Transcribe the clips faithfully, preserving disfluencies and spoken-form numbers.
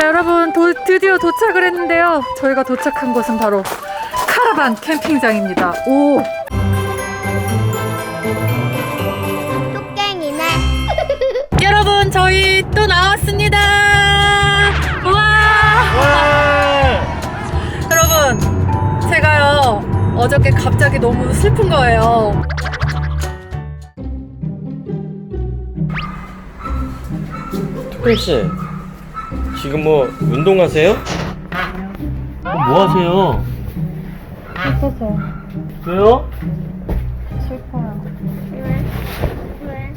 자 여러분 도, 드디어 도착을 했는데요. 저희가 도착한 곳은 바로 카라반 캠핑장입니다. 오 뚝갱이네. 여러분 저희 또 나왔습니다. 와 여러분 제가요 어저께 갑자기 너무 슬픈 거예요. 톡씨 지금 뭐 운동하세요? 뭐 하세요? 슬퍼서 왜요? 슬퍼요. 왜? 왜?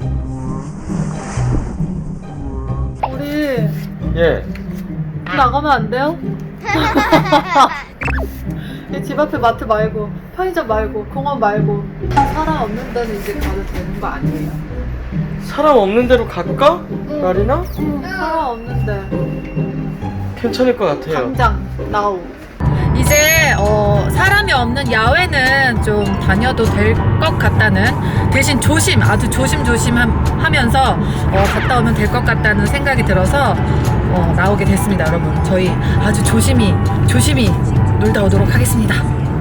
우리 예. 나가면 안 돼요? 집 앞에 마트 말고 편의점 말고 공원 말고 사람 없는 데는 이제 가도 되는 거 아니에요? 사람 없는 데로 갈까? 나리나? 사람 없는데 괜찮을 것 같아요. 당장 나오. 이제 어, 사람이 없는 야외는 좀 다녀도 될 것 같다는, 대신 조심 아주 조심조심 하면서 어, 갔다 오면 될 것 같다는 생각이 들어서 어, 나오게 됐습니다. 여러분 저희 아주 조심히 조심히 놀다 오도록 하겠습니다.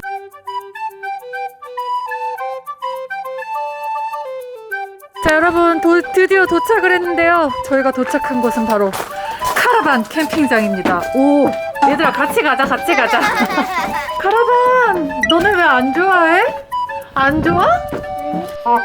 자 여러분 도, 드디어 도착을 했는데요. 저희가 도착한 곳은 바로 카라반 캠핑장입니다. 오 얘들아 같이 가자 같이 가자. 카라반 너네 왜 안 좋아해? 안 좋아? 어?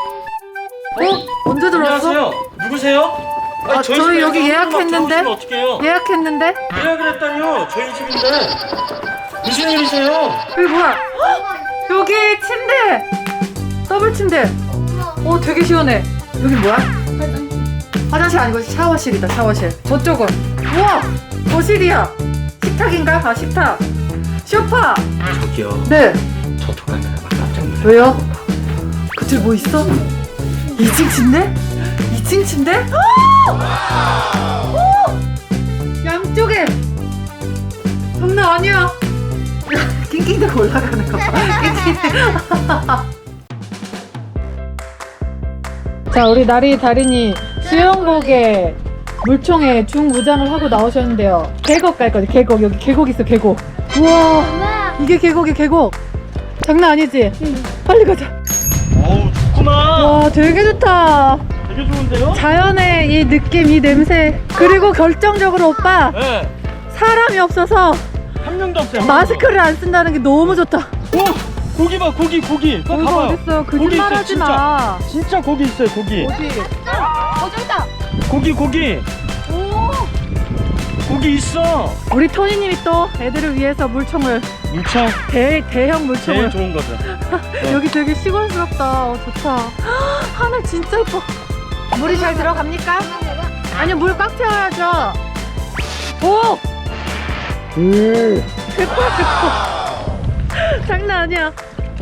언제 들어왔어? 안녕하세요. 누구세요? 아니, 아, 저희 집에 여기 사람들 막 예약했는데? 들어오시면 어떡해요? 예약했는데? 예약을 했다니요. 저희 집인데 무슨 일이세요? 여기 뭐야? 헉! 여기 침대! 더블 침대! 오 되게 시원해. 여기 뭐야? 화장실 아니고 샤워실이다. 샤워실. 저쪽은 우와 거실이야. 식탁인가? 아 식탁. 소파. 저기요. 네. 저 독감에 막 깜짝 놀랐어요. 왜요? 그들 뭐 있어? 이 층 침대? 이 층 침대? 오! 오! 양쪽에 장난 아니야. 낑낑대고 올라가는 거 봐. 낑낑대. 자 우리 나리 다린이 수영복에 물총에 중무장을 하고 나오셨는데요. 계곡 갈 거지. 계곡. 여기 계곡 있어. 계곡. 우와 이게 계곡이 계곡. 장난 아니지? 응. 빨리 가자. 어우 좋구나. 와 되게 좋다. 되게 좋은데요? 자연의 이 느낌 이 냄새. 그리고 결정적으로 오빠 네. 사람이 없어서 한 명도 없어요. 한 마스크를 안 쓴다는 게 너무 좋다. 명도. 오 고기 봐 고기 고기. 그거 어디가 가봐요. 어딨어. 고기 거짓말 있어요, 하지 진짜. 마. 진짜 고기 있어요 고기. 어디? 어 저기 있다. 고기 고기. 오. 고기 있어. 우리 토니님이 또 애들을 위해서 물총을 물총 대, 대형 물총을 제일 좋은 거죠. 여기 되게 시골스럽다. 어, 좋다. 하늘 진짜 예뻐. 물이 잘 들어갑니까? 아니요 물 꽉 채워야죠. 오! 음. 대포야 대포. 장난 아니야.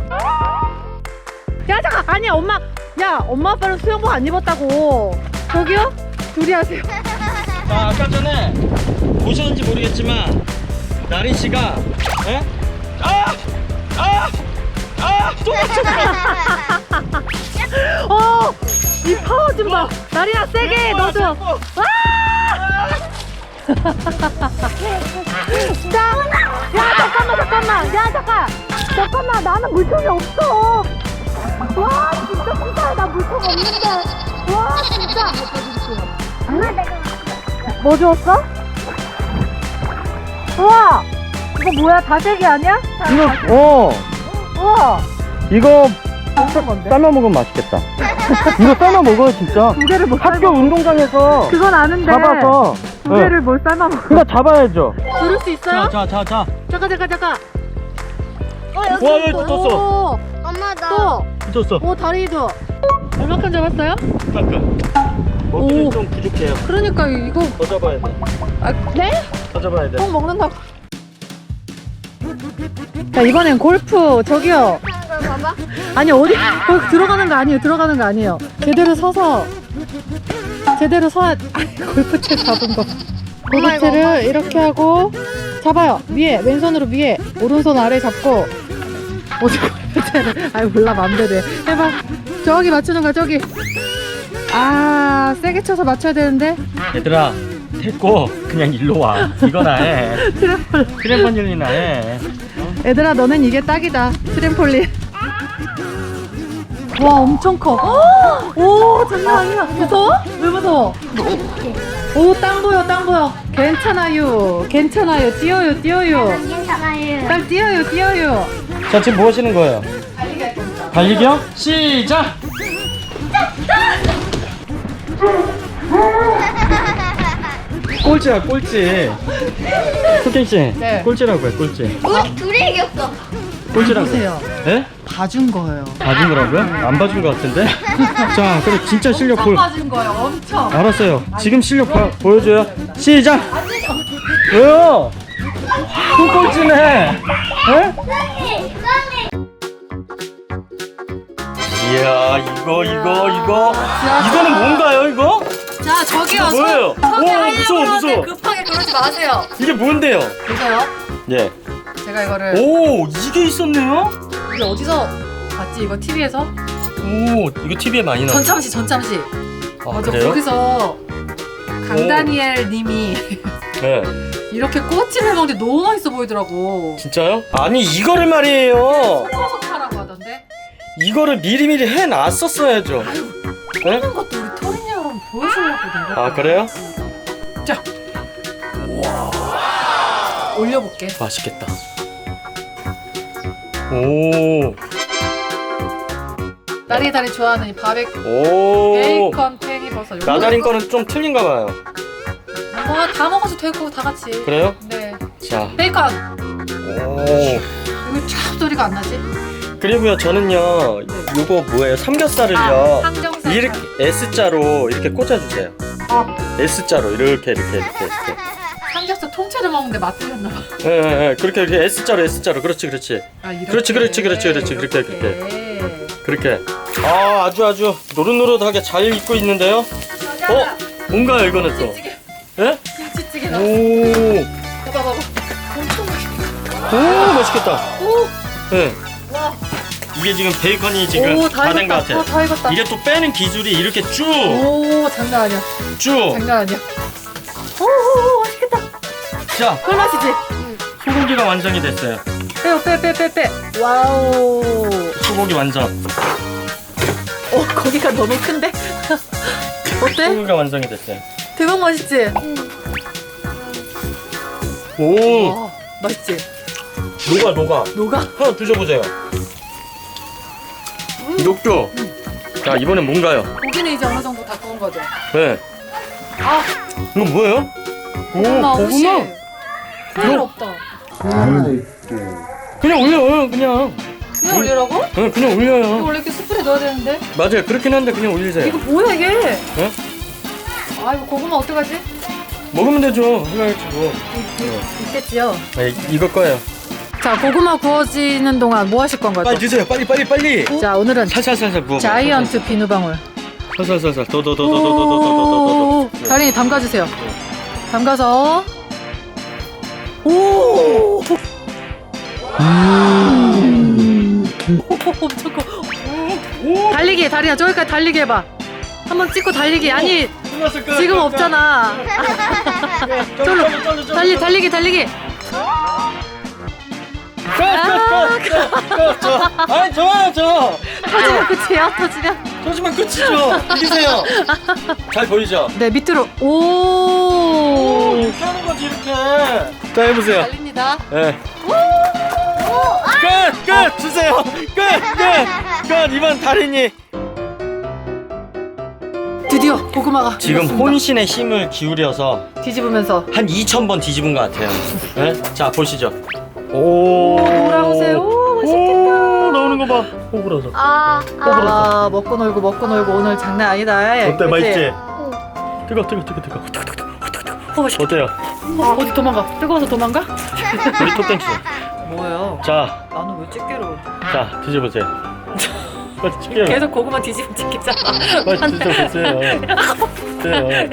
야 잠깐 아니야 엄마. 야 엄마 아빠는 수영복 안 입었다고. 저기요? 둘이 하세요. 자, 아까 전에 보셨는지 모르겠지만 나린 씨가 에? 아! 아! 아! 또 맞췄어. 어! 이 파워 좀 봐. 나리야 세게 해, 너도. 와! 자, 야 잠깐만 잠깐만. 야 잠깐. 잠깐만 나는 물총이 없어. 와 진짜 진짜 나 물총 없는데. 와 진짜. 엄마 내가 뭐 주웠어? 우와! 이거 뭐야? 다슬기 아니야? 이거 어 우와! 이거 어떤 건데? 삶아 먹으면 맛있겠다. 이거 삶아 먹어요 진짜. 두 개를 못 학교 삶아. 운동장에서 그건 아는데. 잡아서 두 개를 뭘 삶아 먹어? 그러니까 잡아야죠. 들을 수 있어요? 자 자 자. 잠깐 잠깐 잠깐. 어 여기 와 여기 있어. 붙었어. 오, 엄마 나 또. 붙었어. 오 다리도. 얼마큼 잡았어요? 잠깐. 먹기는 오. 좀 부족해요. 그러니까 이거. 더 잡아야 돼. 아, 네? 더 잡아야 돼. 꼭 먹는다고. 자 이번엔 골프 저기요. 하는 걸 봐봐. 아니 어디 거기 들어가는 거 아니에요. 들어가는 거 아니에요. 제대로 서서 제대로 서야. 아니, 골프채 잡은 거. 골프채를 이렇게 하고 잡아요. 위에 왼손으로 위에 오른손 아래 잡고. 어디 골프채를? 아이 몰라 맘대로 해. 해봐. 저기 맞추는 거야 저기. 아 세게 쳐서 맞춰야 되는데. 얘들아 됐고 그냥 일로 와. 이거나 해. 트램폴. 트램펄린이나 해. 얘들아, 너는 이게 딱이다. 트램폴린. 와, 엄청 커. 오, 장난 아니야. 무서워? 왜 무서워? 오, 땅 보여, 땅 보여. 괜찮아요. 괜찮아요. 뛰어요, 뛰어요. 괜찮아요. 땅 뛰어요, 뛰어요. 자, 지금 뭐 하시는 거예요? 달리기 할 겁니다. 달리기요? 시작! 꼴찌야, 꼴찌. 소ken씨, 네. 꼴찌라고 해, 꼴찌. 우리 둘이 이겼어. 꼴찌라고. 보세요. 예? 봐준 거예요. 봐준 거라고요? 안 봐준 거 같은데? 자, 그래, 진짜 실력 엄청 보. 봐준 거예요. 엄청. 알았어요. 지금 실력 봐, 보여줘요. 시작! 왜요? 또 꼴찌네. 예? 빨리, 빨리. 이야, 이거, 이거, 이거. 자, 이거는 뭔가요, 이거? 자, 저기요. 뭐예요? 소- 소개하려고 오, 무서워, 하는데 무서워. 급하게 그러지 마세요. 이게 뭔데요? 보세요. 예. 제가 이거를 오, 이게 있었네요? 이게 어디서 봤지? 이거 티비에서? 오, 이거 티비에 많이 나와. 전참시, 전참시. 아, 맞아, 그래요? 거기서 강다니엘 님이 네. 이렇게 꼬치를 먹는데 너무 맛있어 보이더라고. 진짜요? 아니, 이거를 말이에요. 소박하라고 하던데. 이거를 미리미리 해놨었어야죠. 네? 하는 것도 우리 토린이 여러분 보여주려고 내가. 아, 그래요? 자. 올려볼게. 맛있겠다. 오, 딸이 다리 좋아하는 이 바베큐 오. 베이컨 팽이버섯. 나다린 거는 좀 틀린가 봐요. 뭐다 먹어도 되고 다 같이. 그래요? 네. 자, 베이컨. 오. 이거 쫙 소리가 안 나지? 그리고요, 저는요, 요거 뭐예요? 삼겹살을요. 아, 항정살. 이렇게 S자로 이렇게 꽂아주세요. 아, S자로 이렇게 이렇게 이렇게 이렇게. 삼겹살 통째로 먹는데 맛 틀렸나 봐. 예, 예, 예. 그렇게 이렇게 S자로 S자로. 그렇지, 그렇지. 아, 이렇게. 그렇지, 그렇지, 그렇지, 그렇지. 그렇게, 이렇게. 그렇게. 아, 아주 아주 노릇노릇하게 잘 익고 있는데요. 어? 뭔가요, 이거는 또? 김치찌개. 예? 김치찌개 나. 오, 봐봐 봐봐. 엄청 맛있겠다. 오, 맛있겠다. 오. 예. 와. 이게 지금 베이컨이 지금 오, 다 다 된 것 익었다. 같아. 어, 다 익었다. 이게 또 빼는 기술이 이렇게 쭉, 오, 장난 아니야. 쭉. 장난 아니야. 오, 오, 맛있겠다. 자, 꿀맛이지? 소고기가 완성이 됐어요. 빼요, 빼, 빼, 빼, 빼. 와우. 소고기 완성. 어, 거기가 너무 큰데? 어때? 소고기가 완성이 됐어요. 대박 맛있지? 오, 와, 맛있지? 녹아, 녹아. 녹아? 하나 드셔보세요. 녹죠? 자, 이번엔 뭔가요? 고기는 이제 어느 정도 다 구운 거죠? 네. 아, 이건 뭐예요? 오, 고구마 옷이 고구마? 필요 이거- 없다. 그냥 올려요, 그냥. 그냥 올리라고? 네, 그냥 이거 올려요. 원래 이렇게 숯불에 넣어야 되는데? 맞아요, 그렇긴 한데 그냥 올리세요. 이거 뭐야 이게? 네? 아, 이거 고구마 어떡하지? 먹으면 되죠. 해야지 뭐. 있겠지요? 네, 이거 거예요. 자, 고구마 구워지는 동안 뭐 하실 건가요? 빨리 드세요, 빨리, 빨리, 빨리. 자, 오늘은 살살살살 구워. 자이언트 비누방울. 살살살살. 더더더더더더더더더. 오, 다린이 담가주세요. 담가서. 오. 엄청 커. 달리기, 다리야, 저기까지 달리기 해봐. 한번 찍고 달리기. 아니, 지금 없잖아. 쫄로. 달리, 달리기, 달리기. 아니, 좋아요, 저. 터지면 끝이에요, 터지면. 터지면 끝이죠. 이기세요. 잘 보이죠? 네, 밑으로. 오. 이렇게 하는 거지, 이렇게. 자, 해보세요. 달립니다. 예. 끝! 끝! 주세요! 끝! 끝! 끝! 이번 달인이 드디어 고구마가 지금 익었습니다. 혼신의 힘을 기울여서 뒤집으면서. 한 이천 번 뒤집은 것 같아요. 예? 자, 보시죠. 오, 돌아오세요. 오, 맛있겠다. 오, 나오는 거 봐. 호불어서. 아, 아. 아, 먹고 놀고 먹고 놀고 오늘 장난 아니다. 어때? 그치? 맛있지? 응. 뜨거, 뜨거, 뜨거, 뜨거. 뜨거, 뜨거, 뜨거, 뜨거. 어, 맛있겠다. 어때요? 어, 어디 도망가? 뜨거워서 도망가? 우리 토땡스. 뭐예요? 자, 나는 왜 집게로? 자, 드셔보세요. 빨리 찍게요. 계속 고구마 뒤집으면 집게잖아. 빨리 드셔보세요. 드세요.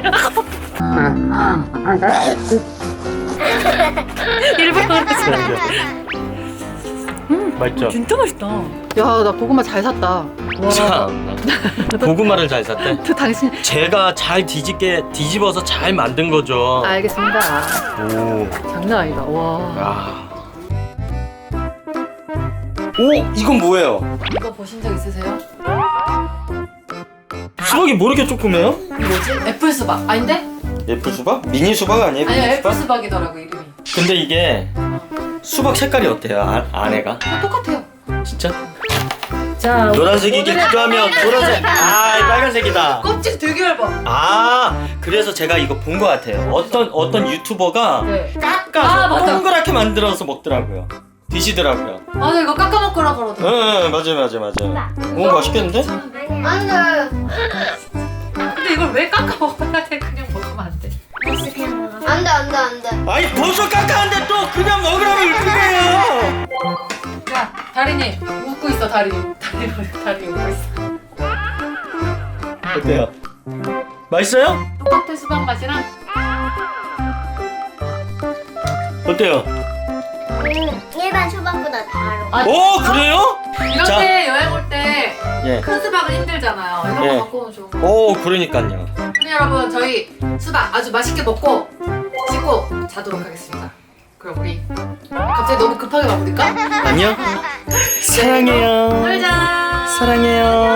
일부러 그러지. 자, 이제. 음, 맛있죠? 진짜 맛있다. 야, 나 고구마 잘 샀다. 와. 참 고구마를 잘 샀대. 또 당신. 제가 잘 뒤집게 뒤집어서 잘 만든 거죠. 알겠습니다. 오. 장난 아니다. 와. 야. 오, 이건 뭐예요? 이거 보신 적 있으세요? 수박이 뭐 이렇게 조그매요? 뭐지? 애플 수박. 아닌데? 애플 수박? 미니 수박 아니에요? 아니야, 미니 애플 수박? 수박이더라고 이름이. 근데 이게 수박 색깔이 어때요? 아, 안에가? 다 똑같아요. 진짜? 자, 노란색이길 오늘의 기도하면 노란색. 아, 빨간색이다. 껍질 되게 얇아. 아, 그래서 제가 이거 본 것 같아요. 어떤 어떤 유튜버가 네. 깎아서 아, 맞다. 동그랗게 만들어서 먹더라고요. 드시더라고요. 맞아, 이거 깎아 먹으라 그러더라고. 응, 맞아요, 맞아요, 맞아요. 오, 맛있겠는데? 안 돼. 근데 이걸 왜 깎아 먹어야 돼? 그냥 먹으면 안 돼. 안 돼, 안 돼, 안 돼. 아니, 벌써 깎았는데 또 그냥 먹으라고 이쁘게요. 야, 다리니 웃고 있어, 다리니. 다리니, 다리니 웃고 있어. 어때요? 맛있어요? 똑같아, 수박 맛이랑. 어때요? 음, 일반 수박보다 달아. 아, 오, 그래요? 이렇게 여행 올 때 큰 예. 수박은 힘들잖아요. 이런 예. 거 갖고 오면 좋은 거. 오, 그러니까요. 그럼 여러분, 저희 수박 아주 맛있게 먹고 씻고 자도록 하겠습니다. 그럼 우리 갑자기 너무 급하게 마무리까? 안녕. 사랑해요. 놀자. 사랑해요.